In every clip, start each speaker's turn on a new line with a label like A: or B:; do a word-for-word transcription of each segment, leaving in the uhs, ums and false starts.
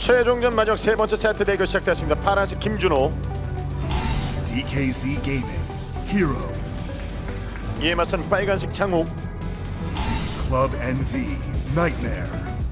A: 최종전 마지막 세 번째 세트 대결 시작됐습니다. 파란색 김준호,
B: 디케이씨 Gaming, Hero,
A: 이에 맞선 빨간색 장욱.
B: Club 엔비, Nightmare.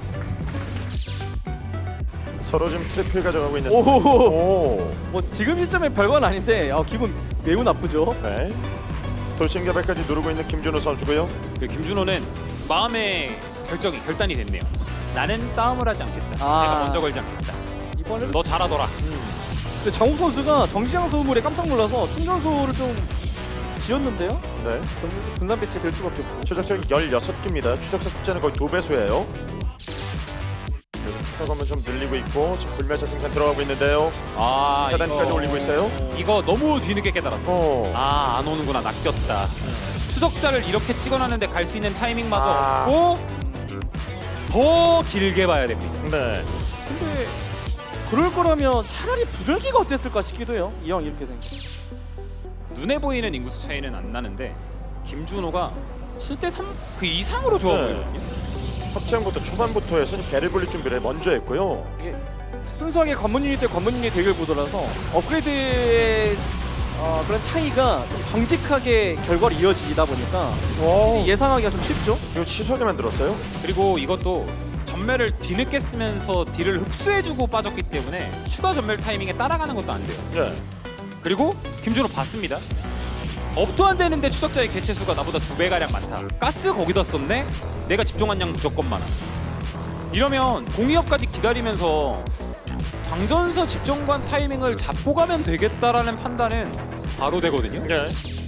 A: 서로 지금 트리플 가져가고 있는.
C: 오호호.
A: 오.
C: 뭐 지금 시점에 별건 아닌데 아, 기분 매우 나쁘죠.
A: 네. 돌진 개발까지 누르고 있는 김준호 선수고요.
D: 그 김준호는 마음의 결정이 결단이 됐네요. 나는 싸움을 하지 않겠다.
C: 아.
D: 내가 먼저 걸지 않겠다.
C: 이번에는
D: 너 잘하더라.
C: 근데 장욱 선수가 정지장 소음물에 깜짝 놀라서 충전소를 좀 지었는데요.
A: 네.
C: 분산 배치 될 수밖에 없고.
A: 추적자가 열여섯 개입니다. 추적자 숫자는 거의 두 배수예요. 그리고 추가 건물 좀 늘리고 있고 지금 불멸차 생산 들어가고 있는데요.
D: 아,
A: 차단까지
D: 이거-
A: 올리고 있어요.
D: 이거 너무 뒤늦게 깨달았어.
A: 어.
D: 아, 안 오는구나. 낚였다. 추적자를 이렇게 찍어놨는데 갈 수 있는 타이밍마저
A: 아.
D: 없고 더 길게 봐야 됩니다.
A: 네.
C: 근데 그럴 거라면 차라리 부들기가 어땠을까 싶기도 해요. 이왕 이렇게 된 거.
D: 눈에 보이는 인구수 차이는 안 나는데 김준호가 칠 대 삼 그 이상으로 좋아
A: 네.
D: 보이거든요.
A: 확장부터 초반부터 해서 배를 불릴 준비를 먼저 했고요.
C: 이게 순수하게 관문 유닛 대 관문 유닛 대결 구도라서 업그레이드의 어, 그런 차이가 좀 정직하게 결과로 이어지다 보니까
A: 와.
C: 예상하기가 좀 쉽죠.
A: 이거 취소하게 만들었어요?
D: 그리고 이것도 전멸을 뒤늦게 쓰면서 딜을 흡수해주고 빠졌기 때문에 추가 전멸 타이밍에 따라가는 것도 안 돼요.
A: 네.
D: 그리고 김준호 봤습니다. 업도 안 되는데 추적자의 개체 수가 나보다 두 배 가량 많다. 가스 거기다 썼네. 내가 집중한 양 무조건 많아. 이러면 공이업까지 기다리면서 광전사 집정관 타이밍을 잡고 가면 되겠다라는 판단은 바로 되거든요.
A: 네.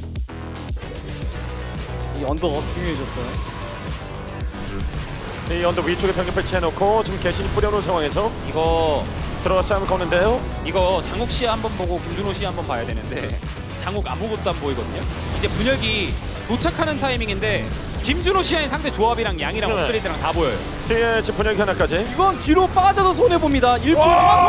C: 이 언더가 중요해졌어요.
A: 이 언덕 위쪽에 병력 배치해놓고 지금 개신이 뿌려놓은 상황에서
D: 이거
A: 들어가 싸움을 거는데요.
D: 이거 장욱 씨 한번 보고 김준호 씨 한번 봐야 되는데 장욱 아무것도 안 보이거든요. 이제 분열기 도착하는 타이밍인데 김준호 씨의 상대 조합이랑 양이랑
A: 네.
D: 업그레이드랑 다 보여요.
A: 뒤에 지금 분열기 하나까지.
C: 이건 뒤로 빠져서 손해 봅니다. 일부러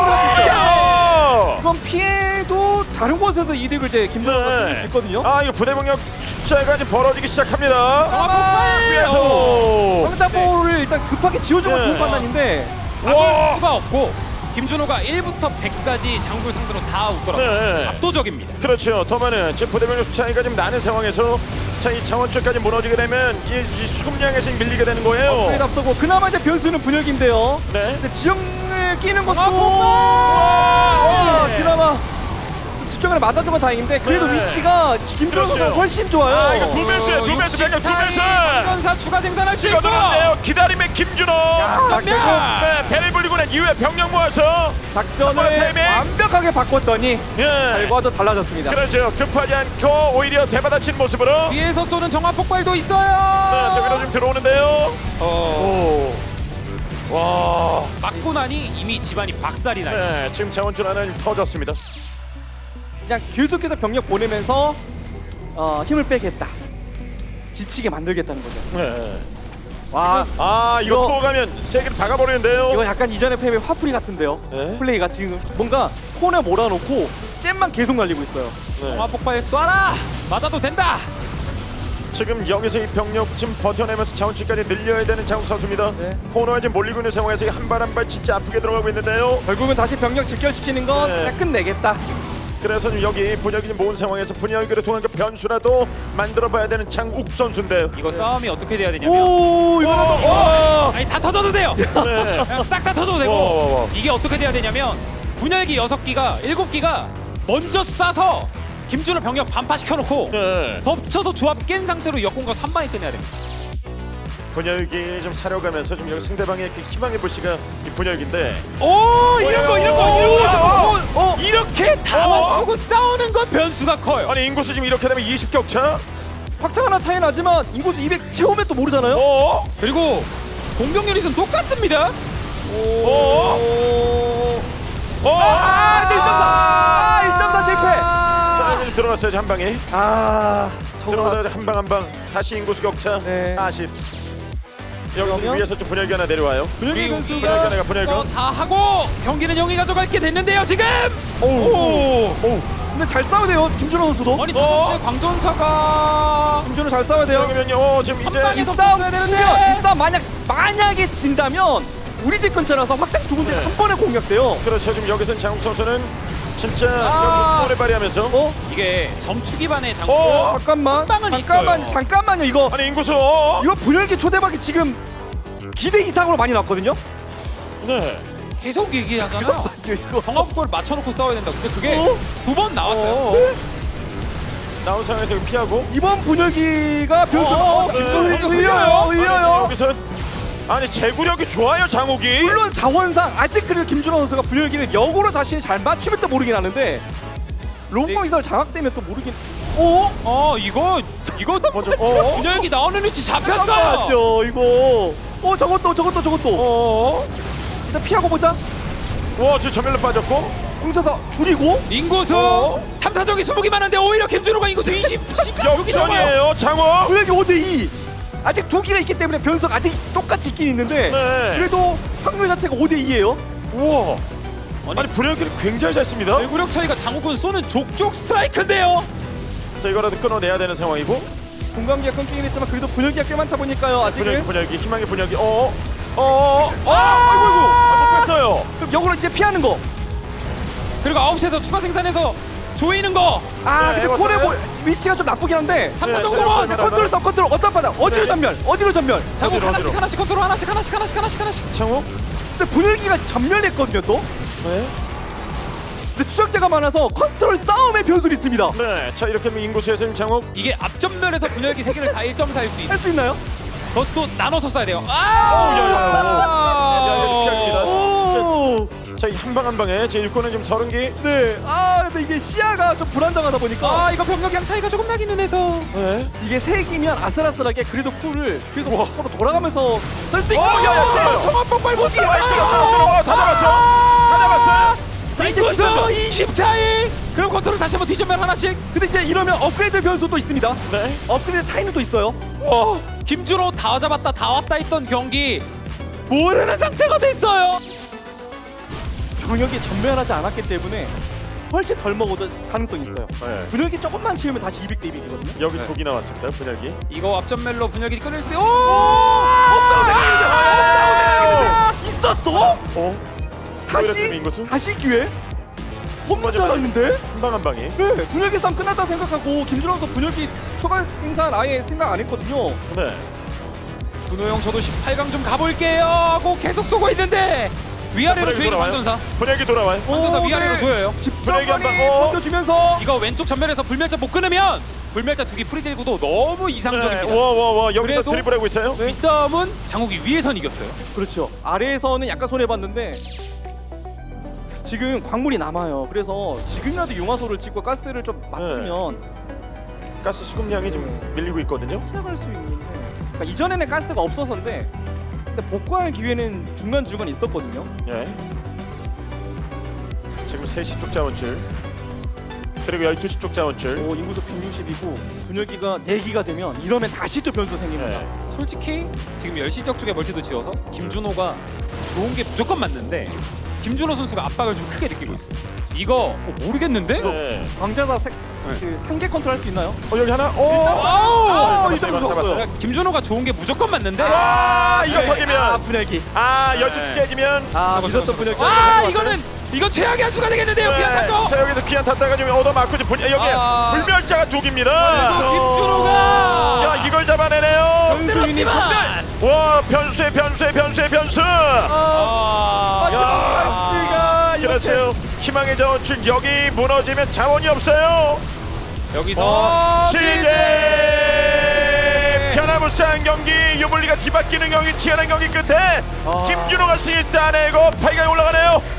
A: 와!
C: 이건 피해도 다른 곳에서 이득을 이제 김준호가
A: 네.
C: 챙길 수 있거든요.
A: 아 이거 부대 병력 숫자가 이제 벌어지기 시작합니다.
C: 아,
A: 위에서.
C: 황자볼을 일단 급하게 지워주면
A: 네.
C: 좋은 판단인데
D: 막을 수가 없고 김준호가 일부터 백까지 장구를 상대로 다 웃더라고요.
A: 네.
D: 압도적입니다.
A: 그렇죠. 더 많은 지금 부대 병력 숫자가 지금 나는 상황에서 자 이 차원줄까지 무너지게 되면 이, 이 수급량에서 밀리게 되는 거예요.
C: 업그레이드 앞서고 그나마 이제 변수는 분열기인데요.
A: 네.
C: 근데 지형을 끼는 것도
A: 와!
C: 와,
A: 네.
C: 그나마 좀 집중을 맞아준 건 다행인데 그래도
A: 네.
C: 위치가 김준호 선수가
A: 그렇죠.
C: 훨씬 좋아요.
A: 아, 이거 두 배수야, 두 배수, 병력 두 배수.
D: 강전사 추가 생산할 수 있고
A: 찍어놓는데요. 기다림의 김준호.
C: 자,
D: 전면!
A: 네, 배를 불리고 난 이후에 병력 모아서
C: 작전을
A: 타이밍.
C: 완벽하게 바꿨더니
A: 예.
C: 결과도 달라졌습니다.
A: 그렇죠. 급하지 않고 오히려 대받아친 모습으로.
D: 뒤에서 쏘는 정화 폭발도
A: 네,
D: 있어요.
A: 저기로 좀 들어오는데요.
D: 어,
A: 오. 와.
D: 맞고 나니 이미 집안이 박살이 나요.
A: 네, 지금 자원줄 하나 터졌습니다.
C: 그냥 계속해서 병력 보내면서 어, 힘을 빼겠다. 지치게 만들겠다는 거죠.
A: 네.
C: 와,
A: 아, 이거
C: 이거-
A: 또 가면 세 개를 박아버리는데요.
C: 이거 약간 이전의 패배 화풀이 같은데요.
A: 네.
C: 플레이가 지금 뭔가 폰에 몰아놓고 잼만 계속 날리고 있어요.
A: 네.
D: 정화 폭발 쏴라. 맞아도 된다.
A: 지금 여기서 이 병력 지금 버텨내면서 자원줄까지 늘려야 되는 장욱 선수입니다.
C: 네.
A: 코너에 지금 몰리고 있는 상황에서 한 발 한 발 진짜 아프게 들어가고 있는데요.
C: 결국은 다시 병력 직결시키는 건
A: 네.
C: 그냥 끝내겠다.
A: 그래서 지금 여기 분열기 좀 모은 상황에서 분열기를 통한 그 변수라도 만들어봐야 되는 장욱 선수인데요.
D: 이거 싸움이 어떻게 돼야 되냐면
C: 오, 이거
A: 와!
D: 아니 다 터져도 돼요.
A: 네.
D: 그냥 싹 다 터져도 되고
A: 와, 와, 와.
D: 이게 어떻게 돼야 되냐면 분열기 여섯 기가 일곱 기가 먼저 쏴서 김준호 병력 반파 시켜놓고
A: 네.
D: 덮쳐서 조합 깬 상태로 역공과 삼 방에 끝내야 됩니다.
A: 분열기 좀 사려가면서 좀 여기 상대방의 그 희망의 불씨가 이 분열기인데.
D: 오 이런 거 이런 거 이런 거
A: 어, 어.
D: 이렇게 다
A: 어.
D: 맞추고 싸우는 건 변수가 커요.
A: 아니 인구수 지금 이렇게 되면 이십 격차?
C: 확장 하나 차이 나지만 인구수 이백 채우면 또 모르잖아요.
A: 어?
D: 그리고 공격 유닛은 똑같습니다.
A: 어? 어?
C: 아, 일 점 사. 아, 일 점 사 실패.
A: 자, 이제 들어갔어요 한 방에.
C: 아, 저거
A: 들어가자 한 방 한 방. 다시 인구수 격차
C: 네.
A: 사십. 여기서
C: 그러면?
A: 위에서 좀 분열기 하나 내려와요.
D: 분열기
A: 분열기
D: 변수가
A: 하나가 분열기.
D: 어, 다 하고 경기는 영이 가져갈게 됐는데요 지금.
A: 오. 오.
C: 근데 잘 싸워야 돼요. 김준호 선수도.
D: 아니
A: 어?
D: 다섯 시에 광전사가
C: 김준호 잘 싸워야 돼요.
A: 여기면요. 어, 지금
D: 한
A: 이제
D: 방에
C: 이
D: 계속
C: 싸움
D: 붙어야
C: 지면
D: 되는데.
C: 이 싸움 만약 만약에 진다면 우리 집 근처라서 확장 두 군데
A: 네.
C: 한 번에 공략돼요.
A: 그렇죠. 지금 여기서는 장욱 선수는 진짜
C: 아.
A: 여기 오래 발휘하면서
C: 어?
D: 이게 점추 기반의 장수.
A: 어?
C: 잠깐만.
D: 빵은
C: 잠깐만.
D: 있어요.
C: 잠깐만요. 이거
A: 아니 인구수 어?
C: 이거 분열기 초대박이 지금 기대 이상으로 많이 났거든요.
A: 네.
D: 계속 얘기하잖아요.
C: 이거
D: 정합골 맞춰놓고 싸워야 된다. 근데 그게
C: 어?
D: 두 번 나왔어요.
C: 어?
A: 나온 상황에서 이거 피하고
C: 이번 분열기가 변수가
A: 어,
C: 어,
A: 네.
C: 흘려요. 흘려요.
A: 아니,
C: 흘려요.
A: 여기서 아니 제구력이 좋아요 장욱이.
C: 물론 자원상 아직 그래도 김준호 선수가 분열기를 역으로 자신이 잘 맞추면 또 모르긴 하는데 롱공 이설 장악되면 또 모르긴. 오?
D: 어 이거 이거
A: 먼저 어?
D: 분열기 나오는 위치 잡혔어.
C: 잠깐만요 이거. 어 저것도 저것도 저것도.
A: 어?
C: 일단 피하고 보자.
A: 와 지금 전멸로 빠졌고.
C: 훔쳐서 줄이고.
D: 인구수
A: 어?
D: 탐사정이 수복이 많은데 오히려 김준호가 인구수 이십.
A: 역전이에요 장욱.
C: 분열기 오 대 이. 아직 두 기가 있기 때문에 변수가 아직 똑같이 있긴 있는데
A: 네.
C: 그래도 확률 자체가 오 대 이예요.
A: 우와.
D: 아니,
A: 아니 불연기를 굉장히 잘 씁니다.
D: 내구력 차이가 장욱은 쏘는 족족 스트라이크인데요.
A: 자 이거라도 끊어내야 되는 상황이고.
C: 공간기가 끊기긴 했지만 그래도 분열기가 꽤 많다 보니까요
A: 분열기
C: 아직은.
A: 분열기 희망의 분열기. 어? 어? 어? 아! 아이고 아이고. 아, 못 뺐어요.
C: 그럼 역으로 이제 피하는 거.
D: 그리고 아홉 시에서 추가 생산해서 조이는 거.
C: 아
A: 네,
C: 근데
A: 해봤어요.
C: 콜의 위치가 좀 나쁘긴 한데
D: 한
A: 네,
D: 번 정도만.
A: 네,
C: 컨트롤 써 컨트롤 어떤 바다 어디로
A: 네.
C: 전멸 어디로 전멸.
D: 장욱
A: 어디로,
D: 하나씩
A: 어디로?
D: 하나씩 컨트롤 하나씩 하나씩 하나씩 하나씩 하나씩.
A: 장욱?
C: 근데 분열기가 전멸했거든요 또.
A: 네.
C: 근데 추적자가 많아서 컨트롤 싸움의 변수도 있습니다.
A: 네. 자 이렇게 하면 인구수에서 지금 장욱.
D: 이게 앞전면에서 분열기 세 개를 다 일 점 사일 수 있는.
C: 할 수 있나요?
D: 그것도 나눠서 써야 돼요.
A: 야, 야, 야,
D: 아!
A: 야, 이거 피합니다.
C: 오.
A: 자 이 한 방 한 방에 제 일꾼은 지금 서른 기.
C: 네. 아 근데 이게 시야가 좀 불안정하다 보니까
D: 아 이거 병력량 차이가 조금 나기는 해서.
A: 네.
C: 이게 색이면 아슬아슬하게 그래도 쿨을 계속 서로 돌아가면서 쓸 수 있고.
A: 어, 야, 야, 야.
C: 정말 뻔뻔 못이야.
A: 아, 다 잡았어. 다 잡았어요.
C: 자 이제
D: 인구수
C: 뒤집어.
D: 이십 차이. 그럼 컨트롤 다시 한번 뒤집면 하나씩.
C: 근데 이제 이러면 업그레이드 변수도 있습니다.
A: 네.
C: 업그레이드 차이는 또 있어요.
D: 와 김준호 다 잡았다 다 왔다 했던 경기 모르는 상태가 됐어요.
C: 병력이 전멸하지 않았기 때문에 훨씬 덜 먹어도 가능성이 있어요.
A: 네.
C: 분열기 조금만 채우면 다시 이백 대 이백이거든요.
A: 여기
D: 네.
A: 독이 나왔습니다. 분열기.
D: 이거 앞전멸로 분열기 끊을 수. 오!
C: 없다고 생각했는데
A: 아!
C: 없다고 생각했는데 있었어?
A: 어?
C: 다시
A: 인구수?
C: 다시 기회? 홈
A: 맞아,
C: 맞았는데?
A: 한 방 한 방이.
C: 네, 분열기 싸움 끝났다 생각하고 김준호 선수 분열기 추가 생산 아예 생각 안 했거든요.
A: 네.
D: 준호 형 저도 십팔 강 좀 가볼게요 하고 계속 쏘고 있는데 위아래로
A: 분열기
D: 조이는
A: 돌아와요.
D: 방전사.
A: 분열기 돌아와요.
D: 방전사
C: 오,
D: 위아래로
C: 네.
D: 조여요.
A: 분열기 한 방.
C: 집정관이
A: 어.
C: 버텨주면서
D: 이거 왼쪽 전멸에서 불멸자 못 끊으면 불멸자 두 개 프리딜구도 너무 이상적입니다.
A: 네. 와와와 여기서
D: 그래도-
A: 드리블하고 있어요.
D: 이 싸움은 장욱이 위에선 이겼어요.
C: 그렇죠. 아래에서는 약간 손해봤는데 지금 광물이 남아요. 그래서 지금이라도 용화소를 찍고 가스를 좀 맞추면
A: 가스 수급량이 좀 밀리고 있거든요.
C: 생각할 수 있는데 그러니까 이전에는 가스가 없어서인데 근데 복구할 기회는 중간중간 있었거든요.
A: 예. 지금 세 시 쪽 자원줄. 그리고 열두 시 쪽 자원줄.
C: 오, 인구수 백육십이고 분열기가 네 기가 되면 이러면 다시 또 변수 생깁니다.
A: 네.
D: 솔직히 지금 열 시 적 쪽에 멀티도 지어서 김준호가 좋은 게 무조건 맞는데 김준호 선수가 압박을 좀 크게 느끼고 있어요. 이거 어, 모르겠는데?
A: 네.
C: 광자사 색, 그 상계 컨트롤 할 수 있나요?
A: 어 여기 하나. 오.
D: 와우!
A: 네, 잡았어요. 이거 잡았어요.
D: 그러니까 김준호가 좋은 게 무조건 맞는데
A: 아 이거
D: 네.
A: 터지면.
C: 아 분열기.
A: 아 열두 시
D: 네.
A: 깨지면.
C: 아
D: 저거,
C: 믿었던
D: 저거,
C: 분열기.
D: 저거. 아 이거는 이건 최악의 한 수가 되겠는데요.
A: 네.
D: 비안 탄 거.
A: 자 여기서 귀한 탔다가 좀 얻어맞고 좀 분... 여기
D: 아.
A: 불멸자가 독입니다.
D: 그래도 김준호가
A: 야 이걸 잡아내네요.
C: 변수인이
D: 들었지만
A: 와 변수의 변수의 변수의 변수.
C: 아,
A: 야.
C: 이렇게
A: 그렇죠. 희망의 자원줄 여기 무너지면 자원이 없어요.
D: 여기서
A: 어, 시제 변화무쌍 경기 유불리가 뒤바뀌는 경기 치열한 경기 끝에
C: 아.
A: 김준호가 승리 따내고 팔 강에 올라가네요.